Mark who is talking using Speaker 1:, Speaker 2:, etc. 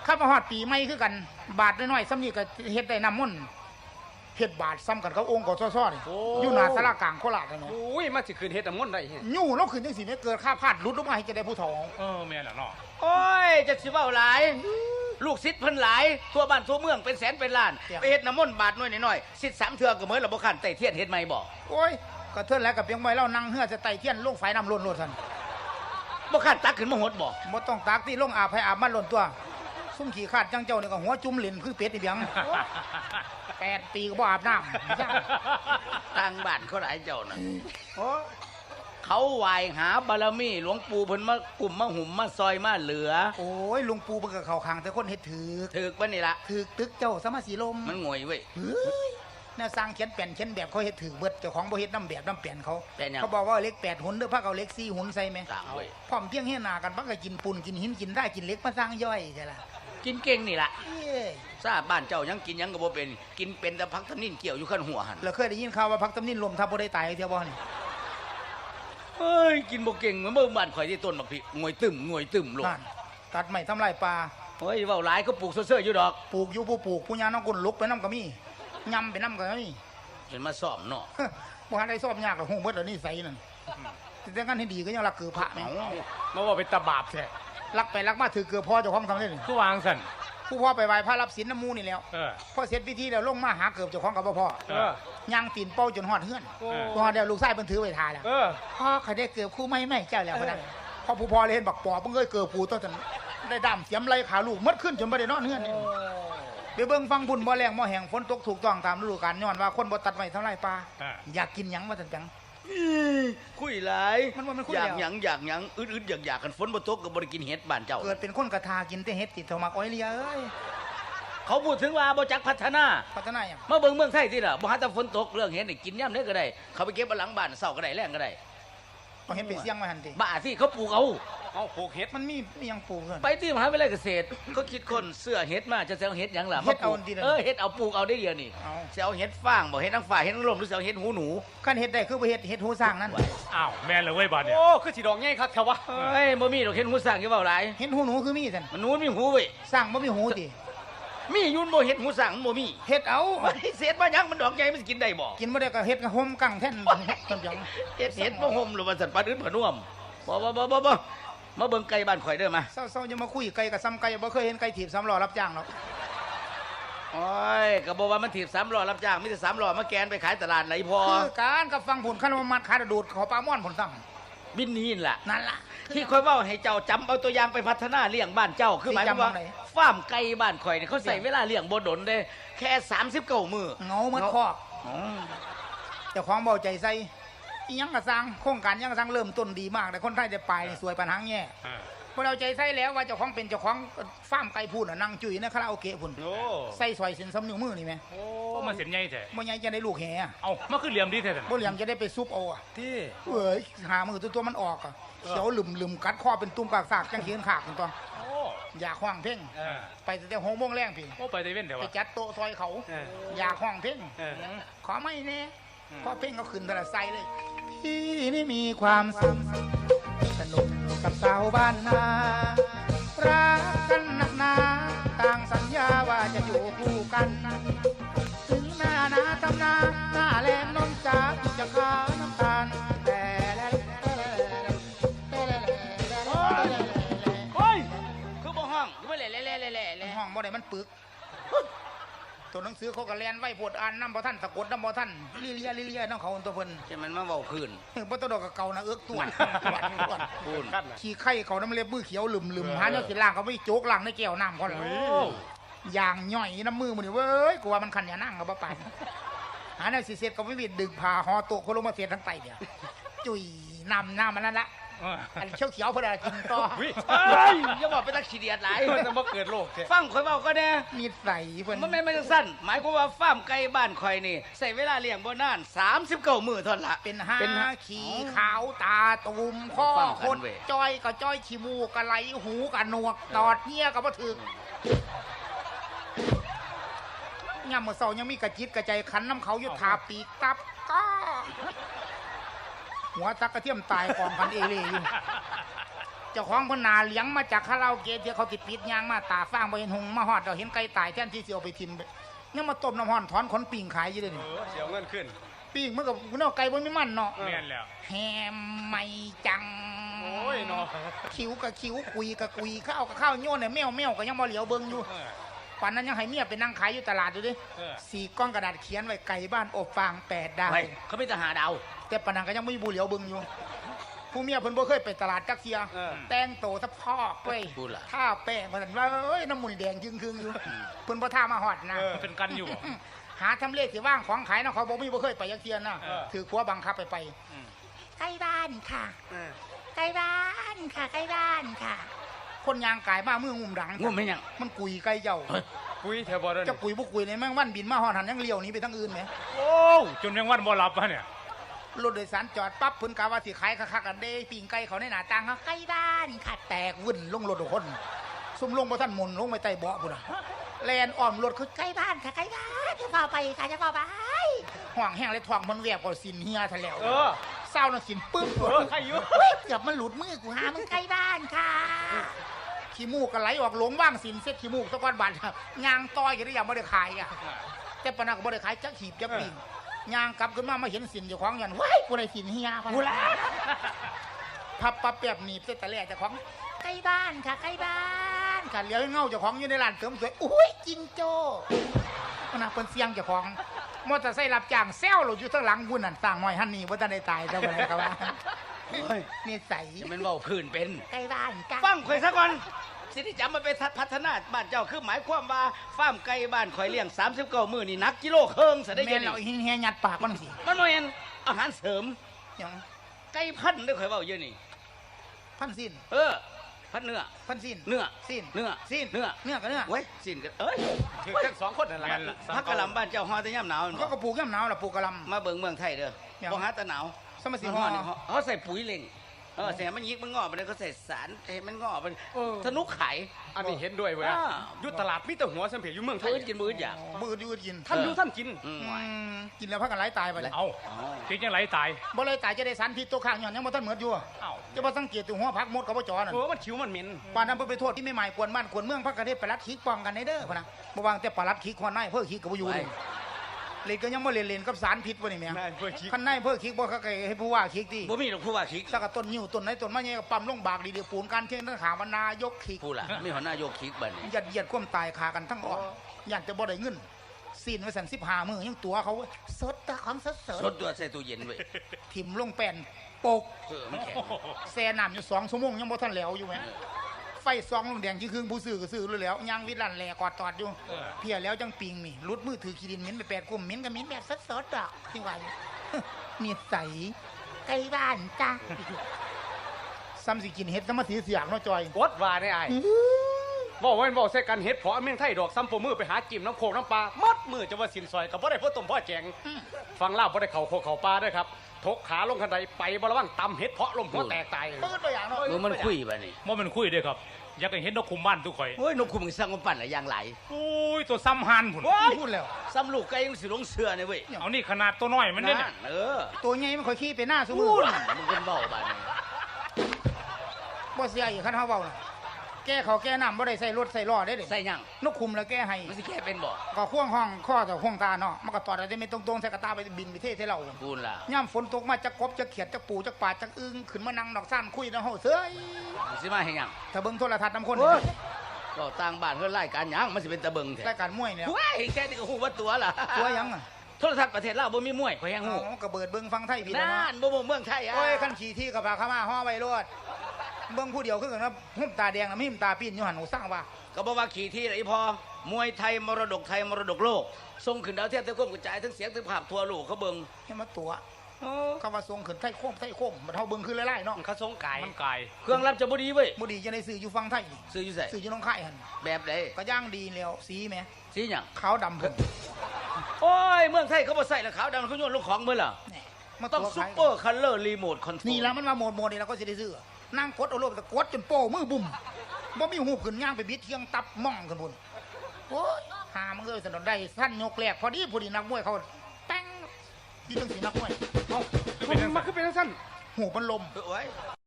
Speaker 1: ข้ามาฮอดปีใหม่คือกันบาทน้อยๆซ้ำนี่ก็เฮ็ดได้น้ำมนต์เฮ็ดบาทซ้ำกันเขาองค์ก็ซ้อๆนี่อยู่หน้าศาลากลางโคราชนั่นแหละ
Speaker 2: โอ้ยมาสิคืนเฮ็ดน้ำมนต์ได้เฮ็ด
Speaker 1: ยู่เราขึ้นจังซี่แม่เกิดค่าพลาดหลุดลงมาให้จะได้ผู้ทอง
Speaker 3: แม่นล่ะเนาะ
Speaker 4: โอ้ยจะสิเว้าหลายลูกศิษย์เพิ่นหลายทั่วบ้านทั่วเมืองเป็นแสนเป็นล้านไปเฮ็ดน้ำมนต์บาทน้อยๆศิษย์3เทื่อก็เหมือนระบ่คันไต่เทียนเฮ็ดใหม่บ่
Speaker 1: โอ้ยก็เทื่อนแล้วก็เพียงไว้เรานั่งเฮือจะไต่เทียนลงไฟน้ำล้นโลดซั่น
Speaker 4: บ่คันตักขึ้นมาหดบ่
Speaker 1: บ่ต้องตากที่ลงอาบให้อาบมันล้นตัวซุ่มขี้คาดจังเจ้านี่ก็หัวจุ่มเหรียญคือเป็ดนี่เพียง8 ปีก็บ่อาบน้ำ
Speaker 4: ต่างบ้านเขาหลายเจ้าน่ะเขาไหว้หาบารมีหลวงปู่เพิ่นมากลุ่มมาหุ่มมาซอยมาเหลือ
Speaker 1: โอ้ยลุงปู่เพิ่นก็เข้าข้างแต่คนเฮ็ด
Speaker 4: ถึกปะนี่ล่ะ
Speaker 1: ถึกตึกเจ้าสมาสีลม
Speaker 4: มันงวยเว้ย
Speaker 1: น่าสร้างเขียนแป่นเขียนแบบเขาเฮ็ดถึกเบิดเจ้าของบ่เฮ็ดน้ำแบบน้ำแป่นเขา
Speaker 4: เขา
Speaker 1: บอกว่าเล็ก8หุ่นเด้อพักเอาเล็ก4หุ่นใส่แม่
Speaker 4: ต่างเว้ย
Speaker 1: พร้อมเพียงเฮ็ดหน้ากันพักก็กินปูนกินหินกินได้กินเล็กมาสร้างย่อยใช่ล่ะ
Speaker 4: กินเก่งนี่ล่ะทราบบ้านเจ้ายังกินยังก็บ่เป็นกินเป็นแต่พักทำนิ่นเกี่ยวอยู่ขั้นหัวหั่น
Speaker 1: แล้วเคยได้ยินข่าวว่าพักทำนิ่นลมทับบ่ได้ตายเที่ยวบ่นี่
Speaker 4: เฮ้ยกินบ่เก่งเหมือนเบิ่งบ้านข่อยที่ต้นบักพริกงวยตึมลง
Speaker 1: ตัดไม้ทำลายป่า
Speaker 4: เฮ้ยเว้าหลายก็ปลูกเซ่อๆอยู่ดอก
Speaker 1: ปลูกอยู่ผู้ปลูกผู้ยาน้องกุนลุกไปน้ำก็มียำไปน้ำก็มี
Speaker 4: เห็นมาซ่อมเนาะ
Speaker 1: บ่ทันได้ซ่อมยากหรอกฮู้เบิดแล้วนี่ใส่นั่นแต่งั้นให้ดีก็ยังรักเกือพระแม่
Speaker 3: มาว่าเป็นตาบาปแท้
Speaker 1: รักไปรักมาถือเกือพ่อเจ้าของทำได้
Speaker 3: คือวางสั่น
Speaker 1: ผู้พ่อไปไหว้พระรับศีลน้ำมูนี่แล้วพอเสร็จพิธีแล้วลงมาหาเกือบเจ้าของกับพ่อย่างตีนเป้าจนหอดเฮือนพอเดี๋ยวลูกชายเพิ่นถือไว้ทาแล้วพ่อเขาได้เกือบคู่ไม่เจ้าแล้วพอได้พอผู้พ่อเลยเห็นบักปอเพิ่งเคยเกือบผู้ต้นได้ดำเสียมไรขาลูกมัดขึ้นจนไม่ได้นอนเฮือนไปเบิ่งฟังบุญบ่แรงบ่แห้งฝนตกถูกต้องตามฤดูกาลย้อนว่าคนบ่ตัดไม้ทำลายป่าอยากกินหยังว่าจังจัง
Speaker 4: คุยหลายอยากหยังอึดอยากกันฝนบ่ตกก็บ่ได้กินเห็ดบ้านเจ้า
Speaker 1: เกิดเป็นคนกระทากินแต่เห็ดติดเท่ามักอ้อยเลียเอ้ย
Speaker 4: เขาพูดถึงว่าบ่จักพัฒนา
Speaker 1: หยัง
Speaker 4: มาเบิ่งเมืองไทยติล่ะบ่หาแต่ฝนตกเรื่องเห็ดนี่กินยามใดก็ได้เขาไปเก็บหลังบ้านเช้าก็ได้แลงก็ได้
Speaker 1: เอาเห็ดไปเสี่ยงมาหั่นติ
Speaker 4: บ้าสิเขาปลูกเอา
Speaker 3: ปลูกเห็ด
Speaker 1: มันมีหยังปลูก
Speaker 4: ไปที่มหาวิทยาลัยเกษตรเขาคิดคนเสื้อเห็ดมาจะเอาเห็ดหยังล่ะ
Speaker 1: เห็ดเอาดี
Speaker 4: เห็ดเอาปลูกเอาได้เดียวนี่จะเอาเห็ดฟางบ่เห็ดนางฟ้าเห็ดนางลมหรือจะเอาเห็ดหูหนู
Speaker 1: คันเห็ดได้คือบ่เห็ดหูสร้างนั่น
Speaker 3: อ้าวแม่นเลยเว้ยบาดเนี่ย
Speaker 2: โอ้คือสิดอกใหญ่คักแท้วะ
Speaker 4: เฮ้ยบ่มีดอกเห็ดหูสร้างอยู่เว้าหลาย
Speaker 1: เห็ดหูหนูคือมีซั่น
Speaker 4: มันหนูมีหูเว้ย
Speaker 1: สร้างบ่มีหูติ
Speaker 4: มียุ่นบ่เห็ดหูสร้างมันบ่มี
Speaker 1: เห็ดเอา
Speaker 4: เศษมายังมันดอกใหญ่มันกินได้บ่
Speaker 1: กินบ่ได้ก็เห็ดก็ห่มกังแท่นต้นหยัง
Speaker 4: เห็ดบ่ห่มหรือว่าสัตว์ปลาอื่นบ่น่วมบ่มาเบิ่งไก่บ้านข่อยเด้อมา
Speaker 1: เศร้าๆอย่ามาคุยไก่กับซ้ำไก่บ่เคยเห็นไก่ถีบ3ล้อรับจ้างหรอก
Speaker 4: โอ้ยก็บอกว่ามันถีบ3ล้อรับจ้างมีแต่3ล้อมาแกนไปขายตลาดไหลพอ
Speaker 1: คือการกับฟังผลคันมัดขาดูดขอปลาม่อนผลสั่ง
Speaker 4: บินนี่ล่ะ
Speaker 1: นั่นล่ะ
Speaker 4: ที่ค่อยเว้าให้เจ้าจำเอาตัวอย่างไปพัฒนาเลี้ยงบ้านเจ้าคือหมายความว่าฟาร์มไก่บ้านข่อยนี่เขาใส่เวลาเลี้ยงบ่ดนเด้แค่39มื้อ
Speaker 1: เงาเหมือนคอกเจ้าของเบาใจใส่ยังกระซังโครงการยังกระซังเริ่มต้นดีมากแต่คนไทยจะไปสวยปัญหาแง่พวกเราใจใส่แล้วว่าเจ้าของเป็นเจ้าของฟาร์มไก่พูนนั่งจุ๋ยนะคาราโอเกะพูนใส่ซอยเส้นซ้ำนิ้วมือนี่ไหม
Speaker 3: โอ้มาเส้นใหญ่แท้
Speaker 1: บ่ใหญ่จะได้ลูกแห่
Speaker 3: เอามาคือเหลี่ยมดีแท้
Speaker 1: บ่เหลี่ยมจะได้ไปซุปเอา
Speaker 3: ที่
Speaker 1: เอ้ยหามือตัวมันออกเขียวลืมกัดคอเป็นตุ้มปากสากจังเขียนขากเป็นตัวอยากห้องเพ่งไปแต่6 โมงแรงพี่
Speaker 3: ไปแต่เว้นเดี๋ยว
Speaker 1: ไปจัดโต๊ะซอยเขาอยากห้องเพ่งขอไม่แน่พอเพ่งเขาขึ้นแต่ละไซเลยพี่นี่มีความสุขสนุกกับสาวบ้านนารักกันนักหนาต่างสัญญาว่าจะอยู่คู่กันถึงหน้าทำนาหน้าแรงน้องจ๋าจะขาวน้ำตาลแต่
Speaker 4: โอ้ยคือบ่ห้องคือบ่แหล่
Speaker 1: ห้องบ่ได้มันปึกตัวหนังสือเขาก็แลนไว้ปวดอ่านน้ำบ่ท่านสะกดน้ำบ่ท่านเลียน้องเขาตัวเพิ่น
Speaker 4: ใช่มันมาเบาคืน
Speaker 1: บ่ต้องดอกกับเก่านะเอื้อกตัวขี้ไข่เขาน้ำเล็บมือเขียวลืมหาเนื้อสิล่างเขาไม่โจกล่างในแก้วน้ำเขาเลยอย่างย่อยน้ำมือมันนี่เว้ยกูว่ามันขันอย่านั่งกับป้าหาเนื้อสิเสร็จก็ไม่มีดึงผ่าห่อโต๊ะเขาลงมาเสียทั้งไตเดียวจุยน้ำมันนั่นละอันเขียวเพื่ออะไรกินต่อ
Speaker 4: อย่าบอกไปตักขี้เดียดหลาย
Speaker 3: จะมาเกิดโรค
Speaker 4: ฟังข่อยเบาก็แน่
Speaker 1: นิสัยเพิ่น
Speaker 4: มันไม่สั้นหมายความว่าฟาร์มไก่บ้านข่อยนี่ใส่เวลาเลี้ยงบ่นาน39 มื้อเท่านั้นละ
Speaker 1: เป็นขี้ขาวตาตุ่มข้อคนจ้อยก็จ้อยขี้มูกก็ไหลหูก็หนวกตอดเหี้ยก็บ่ถึงย่ำมื้อเช้ายังมีกระจิตกระใจขันน้ำเขาอยู่ทาปีกตับก็หัวตักกระเทียมตายกองกันเอเล่อยู่เจ้าของเพนนาเลี้ยงมาจากคาราโอเกะที่เขาติดปิดยางมาตาฟางบ่เห็นหงมาฮอดเราเห็นไก่ตายแทนที่สิเอาไปทิ่มยังมาต้มน้ำฮ้อนถอนขนปิ่งขายอยู่เด้อนี่
Speaker 2: เสียวเงินขึ้น
Speaker 1: ปิ่งมันก็เนาะไก่บ่มีมันเนาะ
Speaker 3: แม่นแล้ว
Speaker 1: แฮมไม่จัง
Speaker 2: โอ้ยเนาะ
Speaker 1: คิ้วกับคิ้วกุยกับกุยข้าวกับข้าวโยนเนี่ยแมวก็ยังบ่เหลียวเบิ่งอยู่ ป่านนั้นยังให้เมียไปนั่งขายอยู่ตลาดอยู่ดิสี่ก้อนกระดาษเขียนไว้ไก่บ้านอบฟาง8 ดาว
Speaker 4: ไปเขาไม่ทหารดาว
Speaker 1: แต่ปานนันก็ยังไม่มีบุเหลียวเบึงอยู่ ผู้เมียเพิ่นบ่เคยไปตลาดจักเทียแต่งโตสะพอกเว้ยท่าแป้งมันว่าเอ้ยน้ำมันแดงจึงๆอยู่เพิ่นบ่ท่ามาฮอดนะ
Speaker 3: เป็นกันอยู่บ่
Speaker 1: หาทำเลสิว่างของขายนะเขาบ่มีบ่เคยไปจักเทียนะถือขัวบังคับไปใกล้บ้านค่ะใกล้บ้านค่ะใกล้บ้านค่ะ คนยางกายมามืองุ่มดัง
Speaker 4: งุ่มไม่ยัง
Speaker 1: มันกุยไก่เจ้า
Speaker 2: ปุ้ยแถวบ่ได้
Speaker 1: จะกุยบ่กุยในแมงวันบินมาฮอดหันยังเลี้ยวหนีไปทางอื่นแหม
Speaker 3: โอ้จนยังวันบ่หลับวะเนี่ย
Speaker 1: รถโดยสารจอดปั๊บเพิ่นกะว่าสิขายคักๆกันเด้ปิ่งไก่เขาในหน้าต่างเขาใกล้บ้านค่ะแตกวุ่นลงรถทุกคนซุ่มลงบ่ทันหมุนลงไปใต้เบาะพุ่นน่ะแลนอ้อมรถคือใกล้บ้านค่ะใกล้บ้านจะพาไปค่ะจะพาไปห่วงแห้งเลยท้องมันแวบก็สินเฮียทะแล้วเศร้าน่ะสินปึ๊บ
Speaker 2: ใครอยู่
Speaker 1: เฮ้ยเกือบมันหลุดมือกูหามึงใกล้บ้านค่ะขี้มูกก็ไหลออกหลงว่างสินเซ็ตขี้มูกตะก้อนบาดยางต้อยก็ได้ยังบ่ได้ขายอ่ะแต่ปานนั้นก็บ่ได้ขายจักหีบจักปิ่งยางกลับขึ้นมาเห็นสินเจ้าของยันว้ายกูได้สินเฮียกูละพับปั๊บแป๊บหนีบเส้นตะแหล่เจ้าของใกล้บ้านค่ะใกล้บ้านค่ะเลี้ยวเงาเจ้าของอยู่ในร้านเสริมสวยอุ้ยจิงโจ้ขณะเพิ่นเสียงเจ้าของมอเตอร์ไซค์รับจ้างแซวเราอยู่ข้างหลังบุญนั่นสร้างหอยฮันนี่บ่ทันได้ตายเจ้าบ่ได้ครับว่านี่ใส
Speaker 4: จะเป็นเว่าพื้นเป็น
Speaker 1: ใกล้บ้านจ้ะ
Speaker 4: ฟังข่อยซะก่อนสิที่จำมาเป็นพัฒนาบ้านเจ้าคือหมายความว่าฟาร์มไก่บ้านข่อยเลี้ยง39มื้อนี่นักกิโลครึ่งซะได้
Speaker 1: แม่
Speaker 4: ยั
Speaker 1: น
Speaker 4: ง
Speaker 1: เราเฮียยัดปากมันสิ
Speaker 4: มันบ่แม่นอาหารเสริม
Speaker 1: หยัง
Speaker 4: ไก่พันธุ์เด้อข่อยเว้าอยู่นี่
Speaker 1: พันสิ้น
Speaker 4: พันเนื้อ
Speaker 1: พันสิ้น
Speaker 4: เนื้อ
Speaker 1: สิ้น
Speaker 4: เนื้อ
Speaker 1: สิ้น
Speaker 4: เนื้อ
Speaker 1: เนื้อกับเนื้อ
Speaker 4: เว้ยสิ้นกันเอ้ย
Speaker 2: ถือทั้งสองคนนั่นแหละ
Speaker 4: พักกะหล่ำบ้านเจ้าฮอดแต่ยามหนาวนั่น
Speaker 1: เขา
Speaker 4: บ่
Speaker 1: ก็ปลูกย่ำหนาวล่ะปลูกกะหล
Speaker 4: มาเบิ่งเมืองไทยเด้อ
Speaker 1: หยัง
Speaker 4: บ่หาแต่หนาว
Speaker 1: สมสิ
Speaker 4: มัน
Speaker 1: ฮ
Speaker 4: ฮ
Speaker 1: อ
Speaker 4: อ
Speaker 1: ด
Speaker 4: ดเขาใส่ปุ๋ยเล็งแสมันยิกมันงอกไปเลยเขาใส่สารให้มันงอกไปสนุกขาย
Speaker 2: อันนี้เห็นด้วยเว้ยอยู่ตลาดมีแต่หัวสำเพ็จอยู่เมืองไทย
Speaker 4: มื้อกินมื้ออยาก
Speaker 1: มือยืดกิน
Speaker 2: ท่านอยู่ท่านกิน
Speaker 1: กินแล้วพักกันไหลตายไปเลย
Speaker 3: เอาจริงยังไหลตาย
Speaker 1: บ่เลยตายจะได้สารพิษตัวข้างย้อนยังบ่ทันเหมือนอยู่
Speaker 3: เอ้า
Speaker 1: จะบ่สังเกตตัวหัวพักมดกับบ่จอนั่น
Speaker 2: มันคิ้วมันเหม็น
Speaker 1: ปานนั้นเพิ่นไปโทษที่ไม่หมายกวนบ้านกวนเมืองพักกระเทศปลัดขิกป้องกันในเด้อพุ่นน่ะบ่วางแต่ปลัดขิกหัวหน้าเพิ่นขิกก็บ่อยู่เลยเลยก็ยังบ่เล่นกับสารพิษบ่นี่แม่
Speaker 2: นายเพื่อคิด
Speaker 1: คันนายเพิ่นขิกบ่เขาก็ให้ผู้ว่าขิกติ
Speaker 4: บ่มีหรอกผู้ว่าคิก
Speaker 1: ถ้าก็ต้นนิ้วต้นไหนต้นมาใหญ่ก็ปั๊มลงบากดีๆปูนการเที่ยงทั้งขาวานายกขิก
Speaker 4: ผู้ล่ะมีหัวหน้ายกคิกบัดนี้
Speaker 1: ยัดเยียดความตายขากันทั้งอ่อนอยากจะบ่ได้เงินซีนไว้สั่น15มื้อยังตัวเขาสดตาของสด
Speaker 4: สดตัวใส่ตู้เย็นเว้ย
Speaker 1: ถิ่มลงแป้นปก
Speaker 4: มันแข็ง
Speaker 1: แซ่น้ำอยู่2 ชั่วโมงยังบ่ทันแล้วอยู่แหมไฟซองลงแดงที่ครึ่งผู้ซื้อก็ซื้อเลยแล้วยางวิลั่นแหลกอดตอดอยู่เพียแล้วจังปิงนี่รุดมือถือขี้ดินเหม็นไป8 กุมเหม็นก็เหม็นแบบสดๆดอกที่ว่าอยู่นี่ใสใกล้บ้านจ้ะซ้ำสิกินเห็ดก็มาสีเสียงเนาะจอย
Speaker 2: วดว่าได้ไอ้บอกว่าบอกใส่กันเฮ็ดเพาะเมืองไทยดอกซ้ำโปมือไปหาจิ้มน้ำโคกน้ำปลามัดมือจะว่าสินซอยกับบ่ได้พ่อต้มพ่อแจงฟังเล่าบ่ได้เข่าโคกเข่าปลาด้วยครับทกขาลงคันใดไปบ่ระวังตำเฮ็ดเพาะลมหัวแตกตาย
Speaker 1: เปิดตัวอย่างเนาะ
Speaker 4: มือมันคุยบัดนี้
Speaker 3: ว่ามันคุยเด้อครับ อยากให้เห็นนกคุมบ้านทุกข่อย
Speaker 4: โอ้ยนกคุมสร้างมันปั่นหลายอย่างหลาย
Speaker 3: โอ้ยตัวซ้ำหันผุน
Speaker 1: พูดแล้ว
Speaker 4: ซ้ำลูกไก่ยังสิลงเสือเนี่ยเว้ย
Speaker 3: เอานี่ขนาดตัวน้อยมันเนี่ย
Speaker 4: นั่น
Speaker 1: ตัวใหญ่มันค่อยขี้ไปหน้าซุมื
Speaker 4: พู
Speaker 1: อ
Speaker 4: ดมันเป็นเบาบัดนี้
Speaker 1: บ่เสียอีกคันเฮาเว้าน่ะแก้เขาวแก้น้ำบ่ได้ใส่รถใส่ล้อได้เด้
Speaker 4: ใส่หยัง
Speaker 1: นกคุมแล้วแก้ให้
Speaker 4: มันสิแค่เป็นบ่
Speaker 1: ก็ข่วงห้องข้อต่อข่วงตาเนาะมันก็ตอดได้ไม่ตรงๆใส่กระตาไปบินไปเทใส่เรา
Speaker 4: พูดล่ะ
Speaker 1: ย่ำฝนตกมาจะกบจะเขียดจะปูจะปาดจะอึ้งขึ้นมานั่งดอกซ่านคุยนะเฮาเซ้ย
Speaker 4: มันสิมาให้หยัง
Speaker 1: ถ้าเบิ่งโทรทัศน์น้ำคน
Speaker 4: โอ้ย ก็ต่างบ้านเฮือนรายการหยังมันสิเป็นตะเบิงแท้
Speaker 1: รายการมวยเนี่ย
Speaker 4: ว้ายแค่นี้ก็ฮู้ว่าตัวล่ะ
Speaker 1: ตัวหยังอ่ะ
Speaker 4: โทรทัศน์ประเทศลาวบ่มีมวยข่อยแฮงฮู้
Speaker 1: อ๋อก็เบิดเบิ่งฟังไทยพี่แล้ว
Speaker 4: นั่
Speaker 1: เนาะ
Speaker 4: นบ่เมืองไทยอ่ะ
Speaker 1: โอ้ยคันขี่ที่กับพาเข้ามาห่อไว้รถเบิ่งผู้เดียวคือกันนะหุ่มตาแดงนะมีหุ่มตาปีนอยู่หันหูสร้างว่า
Speaker 4: ก็บอกว่าขี่ที่ไหนพอมวยไทยมรดกไทยมรดกโลกส่งขึ้นดาวเทียมทั้งควบกระจายทั้งเสียงทั้งภาพทั่วโลกเขาเบิ่ง
Speaker 1: ให้มาตัวคำว่าทรงขึ้นไทยโค้งมันเฮาเบิ่งคือไล่ๆเนาะ
Speaker 2: เขาทรงไก่
Speaker 3: มันกาย
Speaker 4: เครื่องรับจะบ่ดีเว้ย
Speaker 1: บ่ดีจะได้ซื้ออยู่ฟังไทยนี่
Speaker 4: ซื้ออยู่ไส
Speaker 1: ซื้ออยู่น้องค่ายหั่น
Speaker 4: แบบใด
Speaker 1: ก็ย่างดีแล้วสีแหม
Speaker 4: สีหยัง
Speaker 1: ขาวดำเพิ่น
Speaker 4: โอ้ยเมืองไทยเขาบ่ใส่แล้วขาวดำเขาโยนลงของมื้อล่ะ
Speaker 1: แหน่มา
Speaker 4: ต้อง
Speaker 1: ตัว
Speaker 4: ซุป
Speaker 1: ขาย
Speaker 4: เปอร์คัลเลอร์รีโมทคอนโทรล
Speaker 1: นี่แล้วมันมาโหมดนี่เราก็สิได้ซื้อนั่งกดเอาโลบแต่กดจนโป้มือบุ่มบ่มีหูขึ้นย่างไปบิดเทียงตับม่องกันพุ่นโอ้ยหามันเลยสนนได้สั้นยกแรกพอดีนักมวยเขาแป้งที่จังสีนักมวย
Speaker 2: มันคือเป็นสั้น
Speaker 1: หูมันลม
Speaker 4: โอ้ย